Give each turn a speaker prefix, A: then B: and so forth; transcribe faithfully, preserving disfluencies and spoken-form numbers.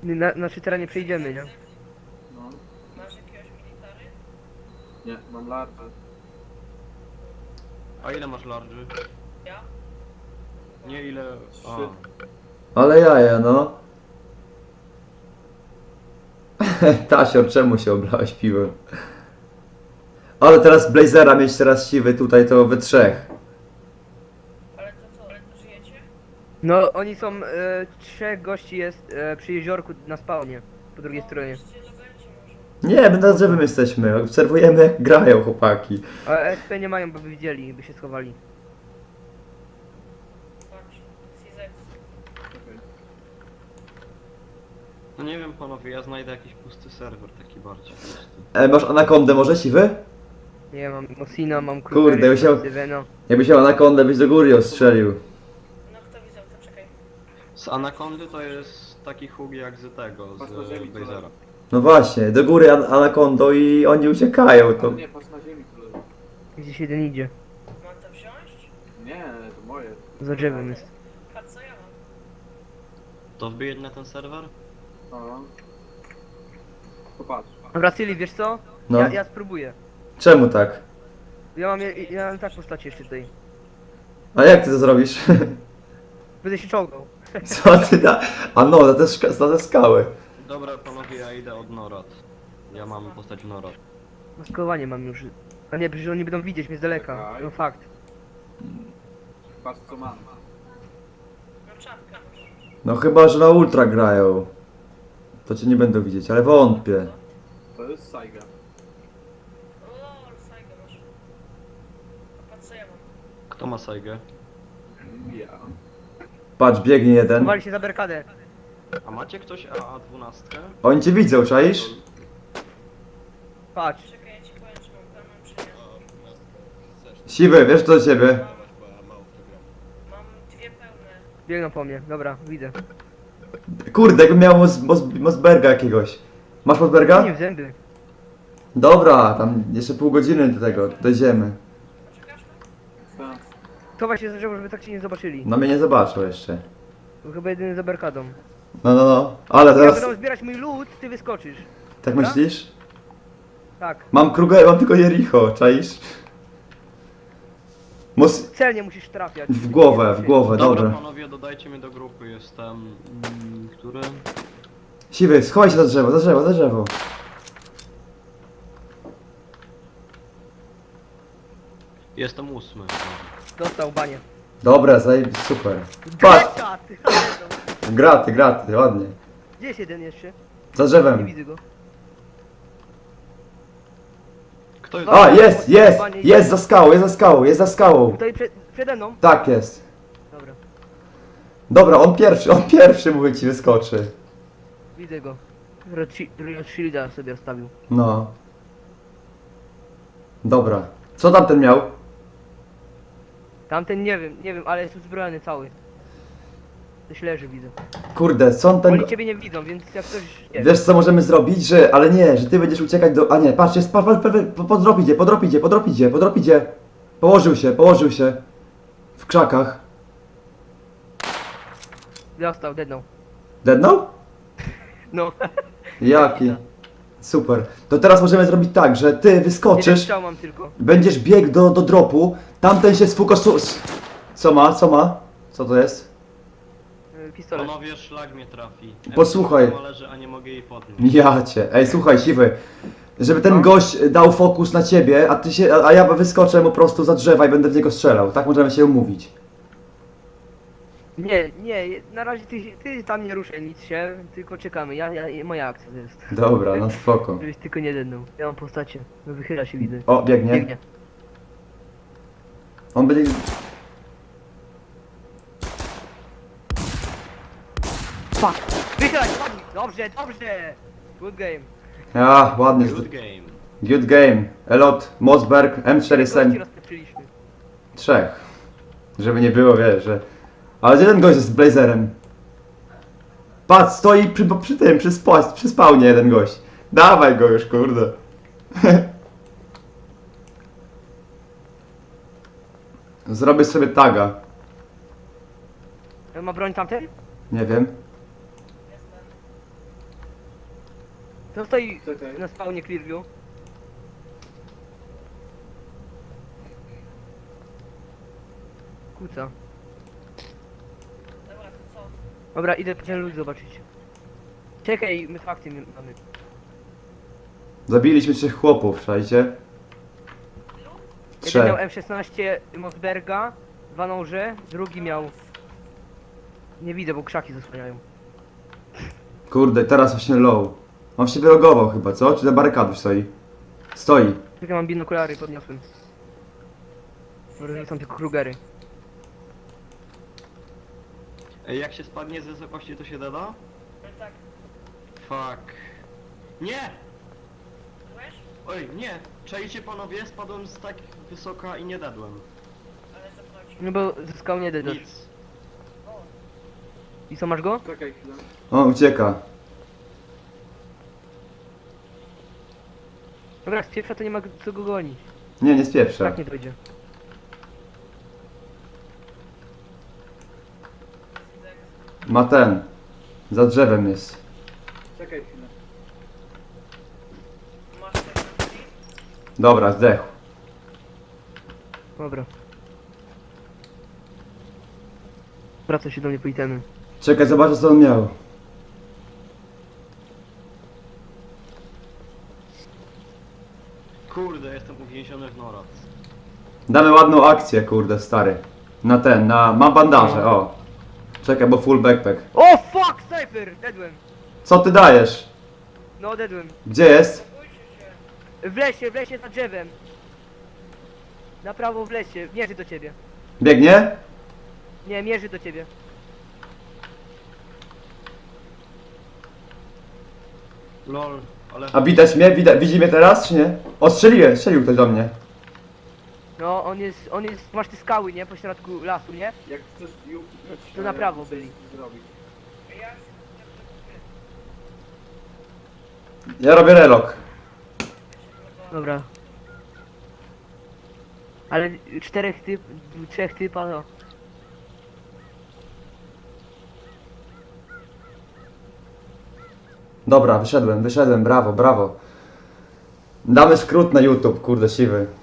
A: Na, znaczy teraz nie przejdziemy, nie?
B: No,
C: Masz jakiegoś military?
B: nie, mam larwy.
D: A ile masz larży?
C: Ja?
D: Nie ile... A.
B: Trzy.
E: Ale jaja, no. Tasior, czemu się oblałeś piwem? Ale teraz Blazera mieć teraz siwy tutaj to we trzech.
C: Ale to co, ale to żyjecie?
A: No oni są, e, trzech gości jest e, przy jeziorku na spawnie, po drugiej stronie.
C: Możecie dobercie może.
E: Nie, my na drzewem jesteśmy. Obserwujemy jak grają chłopaki.
A: A S P nie mają, bo by widzieli, by się schowali.
C: Patrz, Sizex.
B: Czekaj.
D: No nie wiem panowie, ja znajdę jakiś pusty serwer taki bardziej pusty.
E: E, masz anakondę może siwy?
A: Nie, mam Mosina, mam
E: Kurde,
A: Krugery,
E: musiał-
A: Sylweno.
E: Jakbyś miał anakondę, byś do góry ostrzelił.
C: No kto widział, to czekaj.
D: Z Anakondy to jest taki hug jak z tego,
B: Patrz na
D: z
B: ziemi, co
D: Blazera.
B: leży.
E: No właśnie, do góry an anakondą i oni uciekają. To...
B: Ale nie, patrz na ziemi co leży.
A: Gdzieś jeden idzie.
C: Mam to wziąć?
B: Nie, to moje.
A: Za drzewem jest.
C: Patrz co ja mam.
D: To wbijeć na ten serwer?
B: No. Popatrz.
A: Dobra, Syli, wiesz co?
E: No.
A: Ja, ja spróbuję.
E: Czemu tak?
A: Ja mam, ja, ja mam tak postaci jeszcze tutaj.
E: A jak ty to zrobisz?
A: Będę się czołgał.
E: Co ty da? A no, za te, szka- za te skały.
D: Dobra panowie, ja idę od Norad. Ja mam postać Norad.
A: Maskowanie mam już. A nie, przecież oni będą widzieć mnie z daleka.
B: Czekaj.
A: No fakt.
B: Patrz co mam.
C: No czapkę masz.
E: No chyba, że na ultra grają. To cię nie będą widzieć, ale wątpię.
B: To jest Saiga.
C: O lol, Saigę masz. A patrz co ja mam.
D: Kto ma Saigę?
B: Ja.
E: Patrz, biegnie jeden.
A: Chowali się za berkadę.
D: A macie ktoś A dwanaście?
E: Oni cię widzą, czaisz?
A: Patrz.
C: Czekaj, ja ci powiem, czy mam tam, mam czy nie.
E: Siwy, wiesz co do ciebie?
C: Mam dwie pełne.
A: Biegną po mnie. Dobra, widzę.
E: Kurde, jakbym miał Mos Mos Mosberga jakiegoś. Masz Mosberga?
A: Nie w zęby.
E: Dobra, tam jeszcze pół godziny do tego, dojdziemy.
C: Poczekasz?
B: Tak.
A: Chowaj się za drzewo, żeby tak cię nie zobaczyli.
E: No mnie nie zobaczą jeszcze.
A: Był chyba jedyny za berkadą.
E: No, no, no. Ale
A: Jak
E: teraz...
A: będą zbierać mój lód, ty wyskoczysz.
E: Tak
A: Dobra?
E: myślisz?
A: Tak.
E: Mam Kruger, mam tylko Jericho, czaisz? Mos...
A: Celnie musisz trafiać.
E: W głowę, w głowę,
D: Dobra
E: dobra.
D: panowie, dodajcie mnie do grupy, jestem... Mm, który?
E: Siwy, schowaj się za drzewo, za drzewo, za drzewo.
D: Jestem ósmy.
A: Dostał banie.
E: Dobra, zaj... super. Patrz!
A: Greta, ty.
E: Graty, graty, ładnie.
A: Gdzie jest jeden jeszcze?
E: Za
A: Nie
E: drzewem.
A: widzę go.
D: Kto jest?
E: A, jest, jest, jest za skałą, jest za skałą, jest za skałą.
A: Tutaj przed, przede mną.
E: Tak jest.
A: Dobra,
E: Dobra, on pierwszy, on pierwszy mówię ci wyskoczy.
A: widzę go. Red Shi- Red Shielda sobie rozstawił.
E: No. Dobra. Co tamten miał?
A: Tamten nie wiem, nie wiem, ale jest uzbrojony cały. Coś leży, widzę.
E: Kurde, co on ten...
A: Oni ciebie nie widzą, więc jak ktoś... Nie
E: Wiesz co możemy zrobić, że... Ale nie, że ty będziesz uciekać do... A nie, patrz, jest... Patrz, patrz, patrz, po- podrop idzie, podrop idzie, podrop idzie, podrop idzie. Położył się, położył się. W krzakach.
A: Dostał, dednął.
E: Deadnął?
A: No.
E: Jaki? Super. To teraz możemy zrobić tak, że ty
A: Jeden
E: wyskoczysz,
A: strzał mam tylko.
E: będziesz biegł do, do dropu, tamten się sfokusuje... Co ma? Co ma? Co to jest?
A: Y, Pistolet.
D: Panowie, szlag mnie trafi.
E: Posłuchaj.
D: M cztery leży, a nie mogę jej podnieść.
E: Ja cię. Ej, słuchaj, siwy. Żeby ten
A: No.
E: gość dał fokus na ciebie, a ty się, a a ja wyskoczę mu po prostu za drzewa i będę w niego strzelał. Tak możemy się umówić.
A: Nie, nie, na razie ty, ty tam nie ruszaj nic się, tylko czekamy. Ja, ja, moja akcja to jest.
E: Dobra, no spoko.
A: Żebyś tylko nie dednął. Ja mam postacie. No wychyla się, widzę.
E: O, biegnie.
A: Biegnie.
E: On będzie...
A: Fuck! Wychyla się, ładnie. Dobrze, dobrze! Good game.
E: A, ładnie.
D: Good game.
E: Good game. Elot, Mosberg, M cztery
A: Gości
E: Sen.
A: rozpieprzyliśmy.
E: Trzech. Żeby nie było, wiesz, że... Ale jeden gość jest z blazerem. Patrz, stoi przy, przy tym, przy, spa, przy spawnie jeden gość. Dawaj go już, kurde. Zrobię sobie taga.
A: Ma broń tamten?
E: Nie wiem.
A: To stoi
B: Czekaj.
A: na spawnie Clearview. Kuca.
C: Dobra, to co?
A: Dobra, idę ten lud zobaczyć. Czekaj, my fakty mamy.
E: Zabiliśmy trzech chłopów, szajcie.
C: Ilu?
A: Jeden miał
E: Trzech.
A: M szesnaście Mossberga, dwa noże, drugi miał... Nie widzę, bo krzaki zasłaniają.
E: Kurde, teraz właśnie low. On się wylogował chyba, co? Czy za barykadą stoi? Stoi.
A: Czekaj, mam binokulary, podniosłem. Może są tylko Krugery.
D: Ej, jak się spadnie z wysokości, to się doda?
C: No tak.
D: Fuck. Nie!
C: Byłeś?
D: Oj, nie! Czajcie panowie, spadłem z tak wysoka i nie dadłem.
C: Ale zepnąć.
A: No bo zyskał nie dedasz.
D: Nic.
C: O,
A: I co, masz go?
B: Czekaj chwilę.
E: O, ucieka.
A: Dobra, z pierwsza to nie ma co go gonić.
E: Nie, nie spieprza.
A: Tak nie dojdzie.
C: Sidek.
E: Ma ten. Za drzewem jest.
B: Czekaj chwilę.
C: Masz coś na drzwi?
E: Dobra, zdechł.
A: Dobra. Wraca się do mnie po itemy.
E: Czekaj, zobaczę co on miał.
D: Kurde, jestem uwięziony w norat.
E: Damy ładną akcję, kurde, stary. Na ten, na... Mam bandaże, o. Czekaj, bo full backpack.
A: O fuck, sniper! Dedłem.
E: Co ty dajesz?
A: No, dedłem.
E: Gdzie jest?
C: Bójcie się.
A: W lesie, w lesie za drzewem. Na prawo w lesie, mierzy do ciebie.
E: Biegnie?
A: Nie, mierzy do ciebie.
D: Lol, ale...
E: A widać mnie? Widać, widzi mnie teraz, czy nie? O, strzeliłem, strzelił ktoś do mnie.
A: No, on jest, on jest, masz te skały, nie? Po środku lasu, nie?
B: Jak chcesz ją kupić,
A: To na
B: ja
A: prawo
B: muszę
A: byli.
B: zrobić.
C: Ja się
E: Ja robię relok.
A: Dobra. Ale czterech typ, trzech typa, no.
E: Dobra, wyszedłem, wyszedłem, brawo, brawo. Damy skrót na YouTube, kurde, siwy.